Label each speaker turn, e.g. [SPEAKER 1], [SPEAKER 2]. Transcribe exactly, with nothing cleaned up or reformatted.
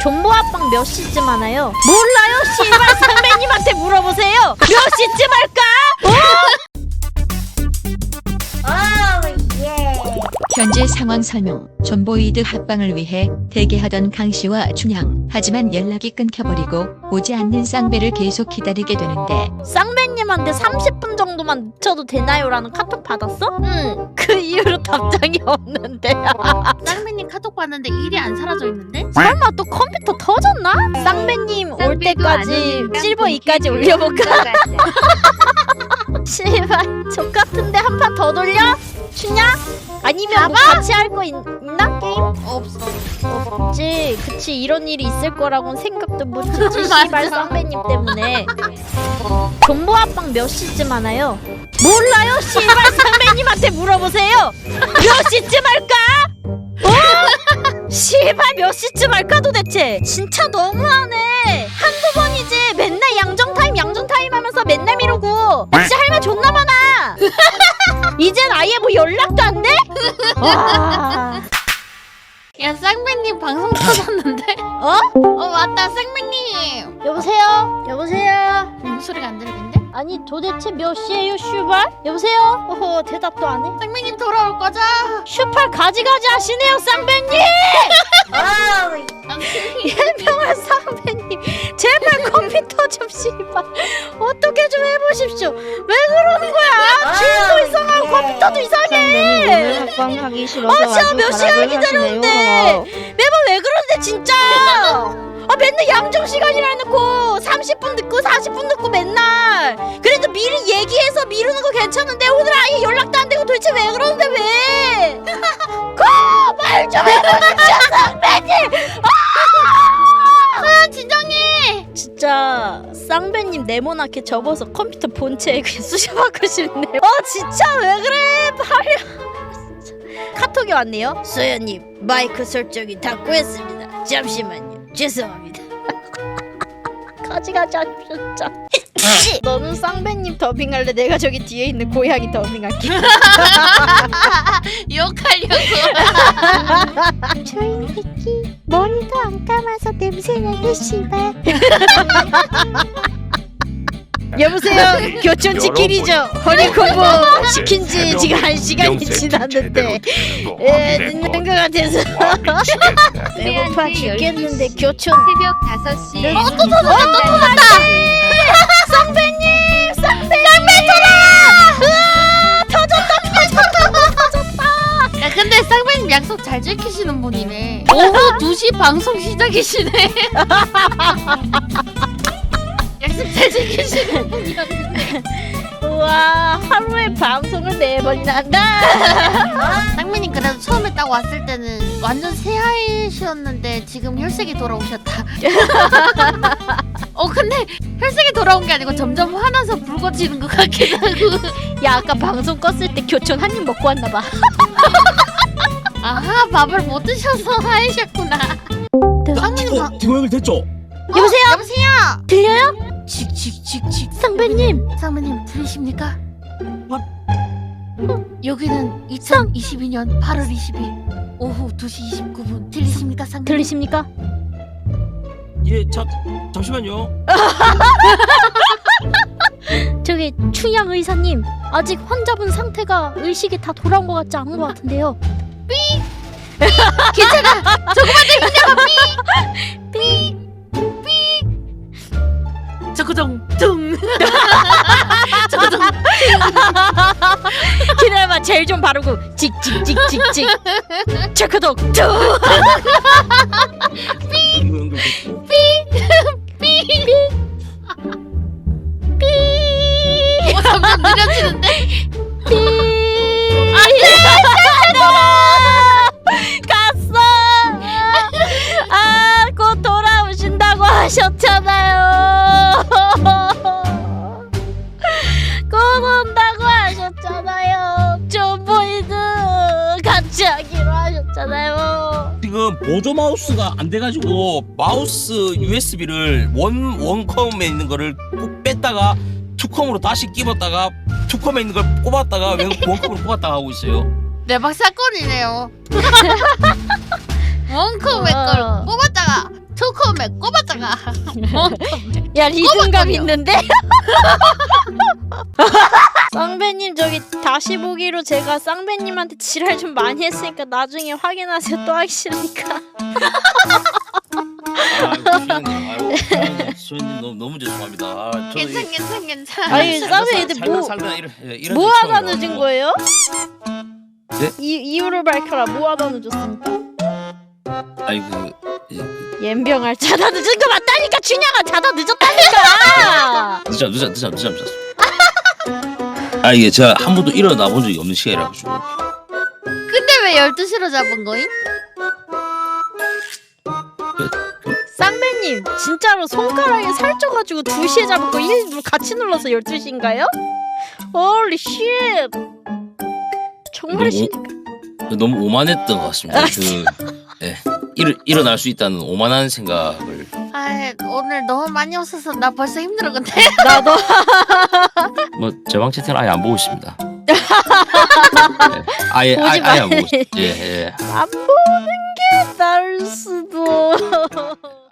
[SPEAKER 1] 존버 합방 몇 시쯤 하나요? 몰라요? 씨발 상배님한테 물어보세요. 몇 시쯤 할까?
[SPEAKER 2] 현재 상황 설명. 존보이드 합방을 위해 대기하던 강씨와 춘향. 하지만 연락이 끊겨버리고 오지 않는 쌍배를 계속 기다리게 되는데
[SPEAKER 1] 쌍배님한테 삼십 분 정도만 늦춰도 되나요? 라는 카톡 받았어? 응. 그 이후로 답장이 없는데.
[SPEAKER 3] 쌍배님 카톡 봤는데 일이 안 사라져 있는데?
[SPEAKER 1] 설마 또 컴퓨터 터졌나? 쌍배님 올 때까지 실버 이까지 올려볼까? 씨발 족같은데 한 판 더 돌려? 추냐? 아니면 뭐 같이 할 거 있나? 게임?
[SPEAKER 3] 없어.
[SPEAKER 1] 없지. 그치, 이런 일이 있을 거라고는 생각도 못했지. 씨발 쌍배님 때문에. 존버 합방 몇 시쯤 하나요? 몰라요? 씨발 쌍배님한테 물어보세요. 몇 시쯤 할까? 어? 씨발 몇 시쯤 할까 도대체? 진짜 너무하네. 한두 번이지. 맨날 양정타임 양정타임 하면서 맨날 미루고. 나 진짜 할 말 존나 많아. 이젠 아예 뭐 연락도 안 돼? 와.
[SPEAKER 3] 야 쌍배님 방송 터졌는데?
[SPEAKER 1] 어?
[SPEAKER 3] 어 맞다 쌍배님.
[SPEAKER 1] 여보세요? 여보세요?
[SPEAKER 3] 목소리가 안 들리는데?
[SPEAKER 1] 아니 도대체 몇 시에요 슈발? 여보세요? 어허 대답도 안 해?
[SPEAKER 3] 쌍배님 돌아올 거죠?
[SPEAKER 1] 슈팔 가지가지 하시네요 쌍배님! 예명한 쌍배님 제발 컴퓨터 좀 씨발 어떻게 좀 해보십시오. 왜 그러는 거야? 주인도 이상하고 컴퓨터도 이상해.
[SPEAKER 4] 합방하기 싫어서
[SPEAKER 1] 아 진짜
[SPEAKER 4] 아주
[SPEAKER 1] 몇 시간
[SPEAKER 4] 가락을
[SPEAKER 1] 기다렸는데
[SPEAKER 4] 하시네요.
[SPEAKER 1] 매번 왜 그러는데 진짜. 아 맨날 양정 시간이라 해놓고 삼십 분 늦고 사십 분 늦고 맨날. 그래도 미리 얘기해서 미루는 거 괜찮은데 오늘 아예 연락도 안 되고 도대체 왜 그러는데 왜? 그말 좀 해보십시오 쌍배님.
[SPEAKER 3] 아 진정해.
[SPEAKER 1] 진짜 쌍배님 네모나게 접어서 컴퓨터 본체에 그냥 쑤셔박고 싶네. 어 진짜 왜 그래 빨리. 카톡이 왔네요. 소연님 마이크 설정이 다 꼬였습니다. 잠시만요. 죄송합니다. 가지가지 하십시오. 너는 쌍배님 더빙할래? 내가 저기 뒤에 있는 고양이 더빙할게.
[SPEAKER 3] 욕하려고.
[SPEAKER 1] 저희 새끼 머리도 안 감아서 냄새나게 씨발. 여보세요. 교촌 치킨이죠. 허니콤보 시킨 지 지금 한 시간이 지났는데 예, 늦는 것 같아서 배고파 죽겠는데 교촌
[SPEAKER 2] 새벽 다섯 시에
[SPEAKER 1] 어, 또 터졌다 또 터졌다. 쌍배님 쌍배 쌍배 터라. 터졌다 터졌다.
[SPEAKER 3] 야 근데 쌍배님 약속 잘 지키시는 분이네. 오후 두 시 방송 시작이시네. 약속 잘 지키시는 분이었는데.
[SPEAKER 1] 우와 하루에 방송을 네 번이나 한다.
[SPEAKER 3] 쌍배님 그래도 처음에 딱 왔을 때는 완전 새하이셨는데 지금 혈색이 돌아오셨다. 어 근데 혈색이 돌아온 게 아니고 점점 화나서 붉어지는 것 같기도 하고.
[SPEAKER 1] 야 아까 방송 껐을 때 교촌 한 입 먹고 왔나봐.
[SPEAKER 3] 아하 밥을 못 드셔서 하이셨구나. 쌍배님 방...
[SPEAKER 5] 디고 형을 됐죠?
[SPEAKER 1] 여보세요?
[SPEAKER 3] 어, 여보세요?
[SPEAKER 1] 들려요?
[SPEAKER 3] 칙칙칙칙
[SPEAKER 1] 쌍배님
[SPEAKER 3] 쌍배님 들리십니까? 여기는 이천이십이 년 팔월 이십일 오후 두 시 이십구 분 들리십니까 쌍배님?
[SPEAKER 1] 들리십니까?
[SPEAKER 5] 예, 자, 잠시만요.
[SPEAKER 1] 저기 춘향 의사님 아직 환자분 상태가 의식이 다 돌아온 것 같지 않은 것 같은데요.
[SPEAKER 3] 괜찮아 조금만 더 힘내봐 삐! 저거정 둥 저거정
[SPEAKER 1] 기다려봐 젤 좀 바르고 찍찍찍찍찍 체크독 툭.
[SPEAKER 5] 디고 형들 됐고.
[SPEAKER 3] 어, 점점 느려지는데?
[SPEAKER 1] 갔어. 아, 곧 돌아오신다고 하셨잖아요. 곧 온다고 하셨잖아요. 존보이드 같이 하기로 하셨잖아요.
[SPEAKER 5] 지금 보조 마우스가 안 돼가지고 마우스 유에스비를 원 원컴에 있는 거를 꼭 뺐다가 투컴으로 다시 끼웠다가 투컴에 있는 걸 꼽았다가 원컴으로 꼽았다가 하고 있어요.
[SPEAKER 3] 대박 사건이네요. 원컴
[SPEAKER 1] 어.
[SPEAKER 3] 맥걸 뽑았다가 투컴에 꼽았다가
[SPEAKER 1] 야 리듬감
[SPEAKER 3] 꼬박꼬박.
[SPEAKER 1] 있는데? 쌍배님 저기 다시 보기로 제가 쌍배님한테 지랄 좀 많이 했으니까 나중에 확인하세요. 또 하기 싫으니까.
[SPEAKER 5] 아이고 수현님, 아이고 수현님, 수현님 너무 너무 죄송합니다. 아, 저도
[SPEAKER 3] 괜찮
[SPEAKER 5] 이-
[SPEAKER 3] 괜찮 괜찮.
[SPEAKER 1] 아니,
[SPEAKER 5] 살다
[SPEAKER 1] 쌍배
[SPEAKER 5] 살-
[SPEAKER 1] 애들
[SPEAKER 5] 살다
[SPEAKER 1] 뭐-
[SPEAKER 5] 살다 이런 예, 이런
[SPEAKER 1] 뭐
[SPEAKER 5] 일
[SPEAKER 1] 하다
[SPEAKER 5] 처음이라서.
[SPEAKER 1] 늦은 거예요?
[SPEAKER 5] 네?
[SPEAKER 1] 이, 이유를 밝혀라. 뭐 하다 늦었습니까?
[SPEAKER 5] 아니 그, 예, 그
[SPEAKER 1] 옌병할 자다 늦은 거 맞다니까. 준야가 자다 늦었다니까.
[SPEAKER 5] 늦어 늦어 늦어 늦어 늦었어. 아 이게 제가 한 번도 일어나 본 적이 없는 시간이라 가지고.
[SPEAKER 3] 근데 왜 열두 시로 잡은 거임?
[SPEAKER 1] 쌍배님 진짜로 손가락에 살쪄가지고 두 시에 잡은 거 일부러 같이 눌러서 열두 시인가요? 홀리 쉣. 정말이시니까.
[SPEAKER 5] 너무 오만했던 것 같습니다. 그 예, 일 일어날 수 있다는 오만한 생각을.
[SPEAKER 3] 아 오늘 너무 많이 웃어서 나 벌써 힘들어 근데.
[SPEAKER 1] 나도.
[SPEAKER 5] 뭐 제 방 채팅을 아예 안 보고 있습니다. 예, 아예
[SPEAKER 1] 보지
[SPEAKER 5] 아예, 아예 안
[SPEAKER 1] 마.
[SPEAKER 5] 보고 있. 예 예.
[SPEAKER 1] 안 보는 게 나을 수도.